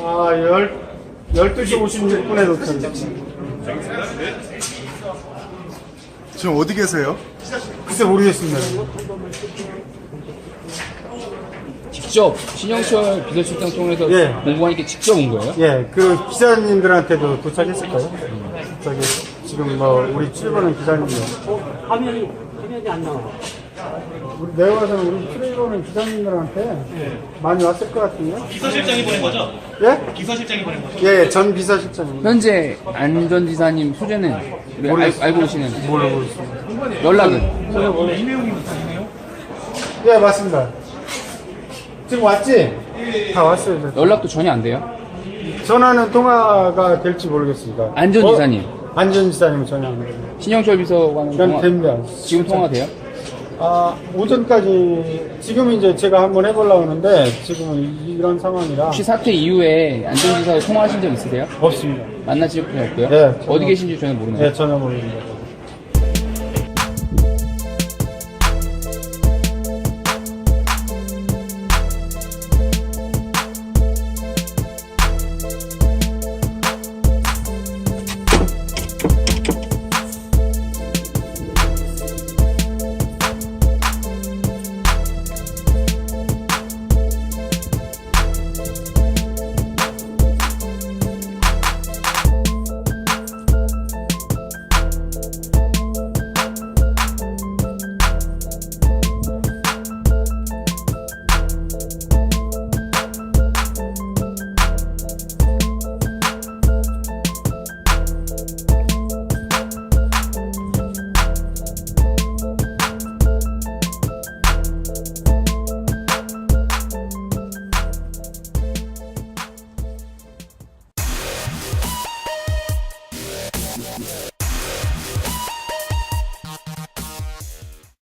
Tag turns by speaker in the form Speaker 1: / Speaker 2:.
Speaker 1: 12시 56분에 도착했습니다.
Speaker 2: 지금 어디 계세요?
Speaker 1: 글쎄 모르겠습니다.
Speaker 3: 직접 신영철 비서실장 통해서
Speaker 1: 예.
Speaker 3: 공무원에게 직접 온 거예요?
Speaker 1: 예, 그 기자님들한테도 도착했을 거예요. 저기 지금 뭐 우리 출입하는 기자님들.
Speaker 4: 화면이 안 나와.
Speaker 1: 우리 내가 봐서는 우리 출입하는 기자님들한테 많이 왔을 것 같은데.
Speaker 5: 비서실장이 보낸 거죠?
Speaker 1: 예?
Speaker 5: 비서실장이 보낸 거죠?
Speaker 1: 예, 전 비서실장입니다.
Speaker 3: 현재 안 전 지사님 소재는 알고 계시는
Speaker 1: 모르고 있습니다.
Speaker 3: 연락은?
Speaker 1: 예, 맞습니다. 지금 왔지? 다 왔어요. 저.
Speaker 3: 연락도 전혀 안 돼요?
Speaker 1: 전화는 통화가 될지 모르겠습니다.
Speaker 3: 안전 지사님.
Speaker 1: 안전 지사님은 전화 안 돼요.
Speaker 3: 신영철 비서관은
Speaker 1: 그냥
Speaker 3: 통화,
Speaker 1: 됩니다.
Speaker 3: 지금 통화 돼요?
Speaker 1: 오전까지, 지금 이제 제가 한번 해보려고 하는데, 지금은 이런 상황이라.
Speaker 3: 혹시 사태 이후에 안전지사와 통화하신 적 있으세요?
Speaker 1: 없습니다.
Speaker 3: 만나실 분 없고요?
Speaker 1: 네,
Speaker 3: 어디 계신지 저는 모르네요.
Speaker 1: 네, 전혀 모릅니다.